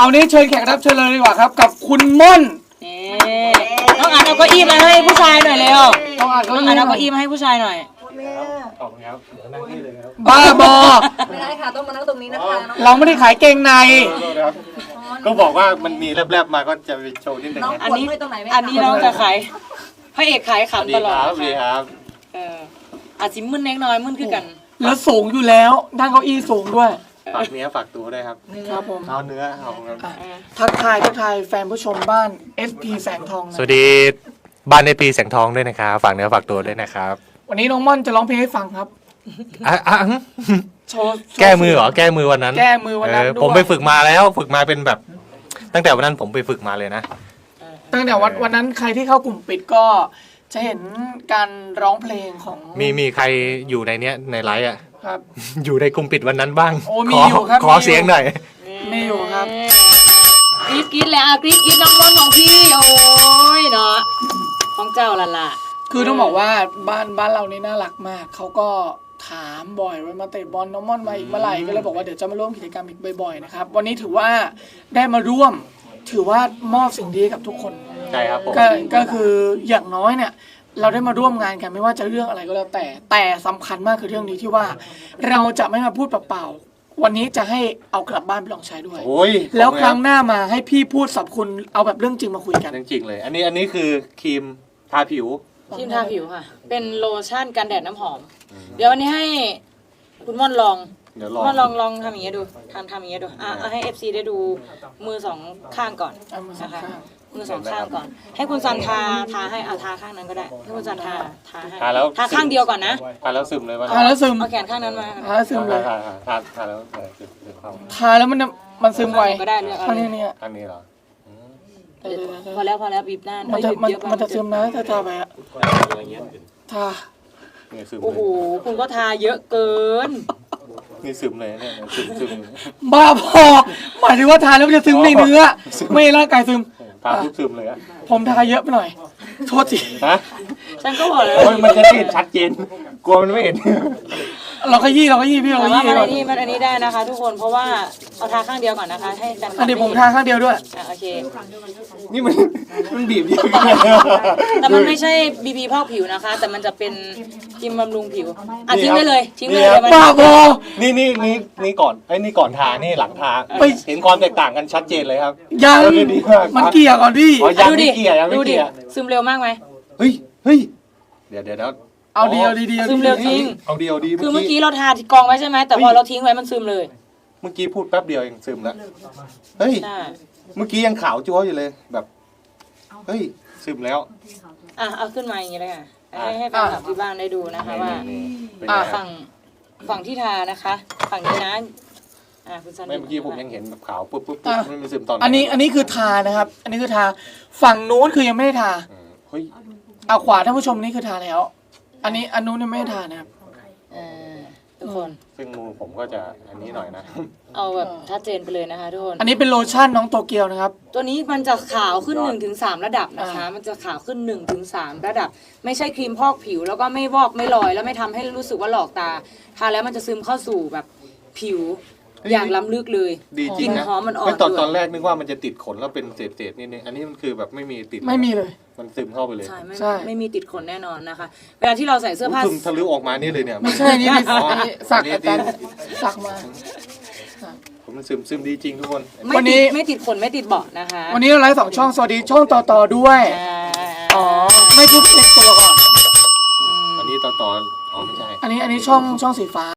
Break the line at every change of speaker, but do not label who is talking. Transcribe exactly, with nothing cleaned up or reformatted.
เอานี้เชิญแขกรับเชิญเลยดีกว่าครับกับคุณม่อน
น้องอันเอาเก้าอี้มาให้ผู้ชายหน่อยเร็วน้องอัน
น้อง
เอาเก้าอี้มาให้ผู้ชายหน่อย
ขอบคุณครับเดี๋ยวนั่งนี่เลยครับ
บ้าบอ
ไม่ได้ค่ะต้องมานั่งตรงนี้นะคะ
เราไม่ได้ขายเกงใน
ก็บอกว่ามันมีแลบๆมาก็จะไปโชว์นิดนึง
อันนี้อันนี้เราจะขายพระเอกขายขำตลอด
ครับดีครับ
เอออาจสิมึนเล็กน้อยมึนคือกัน
แล้วสูงอยู่แล้วด้านเก้าอี้สูงด้วย
ฝากเนื้อฝากตัวด้วยครับ
ครับผม
เอาเนื้อเอาครับ
ทักทายทักทายแฟนผู้ชมบ้าน เอส พี แสงทอง
สวัสดีบ้านในปีแสงทองด้วยนะครับฝากเนื้อฝากตัวด้วยนะครับ
วันนี้น้องม่อนจะร้องเพลงให้ฟังครับ
อ่ะอ่ะ
โชว์
แก้มือเหรอแก้มือวันนั้น
แก้มือวันนั้นด้วย
ผมไปฝึกมาแล้วฝึกมาเป็นแบบตั้งแต่วันนั้นผมไปฝึกมาเลยนะ
ตั้งแต่วันวันนั้นใครที่เข้ากลุ่มปิดก็จะเห็นการร้องเพลงของ
มีมีใครอยู่ในเนี้ยในไลฟ์อ่ะ
ครับ
อยู่ในกลุ่มปิดวันนั้นบ้าง
โอ้มีอยู่ครับ
ขอเสียงหน่อย
มีอยู่ครับ
กรี๊ดกรี๊ดแล้วกรี๊ดกรี๊ดน้องม่อนของพี่โอ้ยเนาะของเจ้าละล่ะ
คือต้องบอกว่าบ้านบ้านเรานี่น่ารักมากเขาก็ถามบ่อยว่ามาเตะบอลน้องม่อนมาอีกเมื่อไหร่ก็เลยบอกว่าเดี๋ยวจะมาร่วมกิจกรรมอีกบ่อยๆนะครับวันนี้ถือว่าได้มาร่วมถือว่ามอบสิ่งดีกับทุกคน
ใช่ครับผม
ก็ก็คืออย่างน้อยเนี่ยเราได้มาร่วมงานกันไม่ว่าจะเรื่องอะไรก็แล้วแต่แต่สำคัญมากคือเรื่องนี้ที่ว่าเราจะไม่มาพูดเปล่าๆวันนี้จะให้เอากลับบ้านไปลองใช้ด้วยแล้วครั้งหน้ามาให้พี่พูดสรรพคุณเอาแบบเรื่องจริงมาคุยกัน
เรื่องจริงเลยอันนี้อันนี้คือครีมทาผิว
ครีมทาผิวค่ะเป็นโลชั่นกันแดดน้ำหอมเดี๋ยววันนี้ให้คุณม่อนลอง
เดี๋ยวลอง
ม่อนลองลองทำอย่างเงี้ยดูทำทำอย่างเงี้ยดูอ่ะให้ เอฟ ซี ได้ดูมือสองข้างก่อนนะคะมือสองข้างก่อนให้คุณซันทาทาให้เอาทาข้างนั้นก็ได้ให้คุณซันทาทาให้
ทาแล้ว
ทาข้างเดียวก่อนนะ
ทาแล้วซึมเลยว่า
ทาแล้วซึม
เอาแขนข้างนั้นมา
ทาแล้วซึมเลย
ทาทาทาแล้วซึมเข้า
ทาแล้วมันมันซึมไว
ก็ได้เลือก
ข้างนี้เนี่ย
ข้างนี้เหรอ
พอแล้วพอแล้วบีบหน้า
มันจะมันมันจะซึมนะถ้าทาไปอะทา
โอ้โหคุณก็ทาเยอะเกิน
นี่ซึมเลยเนี่ยซึมซึม
บ้าพอหมายถึงว่าทาแล้วมันจะซึมในเนื้อไม่ร่างกายซึม
ทาซึมเลยอะ
ผมทาเยอะไปหน่อยโทษที
ฮะ
ฉันก็บอกเลย
มันจะเห็นชัดเจนกลัวมันไม่เห็น
เราก็ยี่เราก็ยี่พี่เราก็ยี่
มันอันนี้มันอันนี้ได้นะคะทุกคนเพราะว่าเอาทาข้างเดียวก่อนนะคะให้แฟนคลับ
เดี๋ยวผมทาข้างเดียวด้วย
อ่ะโอเค
นี่มันมันบีบเยอะ
แต่มันไม่ใช่บีบีพอกผิวนะคะแต่มันจะเป็นครีมบำรุงผิวอ่ะทิ้งไว้เลยทิ้งเลย
บ้าบอ
นี่นี่นี่นี่ก่อนไอ้นี่ก่อนทานี่หลังทาเห็นความแตกต่างกันชัดเจนเลยครับ
ยังมันเกี่ยวก่อนพี่
ดูดิดูดิซึมเร็วมากไหม
เฮ้ยเฮ้ยเดี๋ยวเดี๋ยว
เอาดีเอาดีดี
ซึมเร็วจริง
เอาดีเอาดี
คือเมื่อกี้เราทากองไว้ใช่ไหมแต่พอเราทิ้งไว้มันซึมเลย
เมื่อกี้พูดแป๊บเดียวเองซึมแล้วเฮ้ยเมื่อกี้ยังขาวจั๊วอยู่เลยแบบเฮ้ยซึมแล้ว
อ่ะเอาขึ้นมาอย่างนี้เลยค่ะให้ให้แฟนคลับที่บ้านได้ดูนะคะว่าฝั่งฝั่งที่ทานะคะฝั่งนี้นะอ่ะคุณซัน
ไม่เมื่อกี้ผมยังเห็นแบบขาวปุ๊บปุ๊บปุ๊บไม่มีซึมตอน
อันนี้อันนี้คือทานะครับอันนี้คือทาฝั่งนู้นคือยังไม่ได้ทา
เฮ้ย
เอาขวาท่านผู้ชมนี่คือทาแล้วอันนี้อันนู้นยังไม่ได้ทานะครับ
ทุกคน
ซึ่งมือผมก็จะอันนี้หน่อยนะ
เอาแบบชัดเจนไปเลยนะคะทุกคน
อันนี้เป็นโลชั่นน้องโตเกียวนะครับ
ตัวนี้มันจะขาวขึ้น หนึ่งถึงสาม ระดับนะคะมันจะขาวขึ้น หนึ่งถึงสาม ระดับไม่ใช่ครีมพอกผิวแล้วก็ไม่วอกไม่ลอยแล้วไม่ทำให้รู้สึกว่าหลอกตาทาแล้วมันจะซึมเข้าสู่แบบผิวอย่างล้ำลึกเลย
ดีจริงนะ
หอมมันอ่อน
ตอนตอนแรกนึกว่ามันจะติดขนแล้วเป็นเศษๆนิดนึงอันนี้มันคือแบบไม่มีติด
ไม่มีเลย
มันซึมเข้าไปเลย
ใช่ไม่ไม่มีติดขนแน่นอนนะคะเวลาที่เราใส่เสื้อผ้า
ซึมทะลุออกมานี่เลยเนี่ย
ไม่ใช่นี่สักอาจารย์สักมา
ผมมันซึมซึมดีจริงทุกคน
วันนี้ไม่ติดขนไม่ติดเบาะนะคะ
วันนี้เราไลฟ์สองช่องสวัสดีช่องต่อต่อด้วยอ๋อไม่พูดเล็กตัวก่อน
อันนี้ต่อต่ออ๋อไม่ใช่
อันนี้อันนี้ช่องช่องสีฟ้า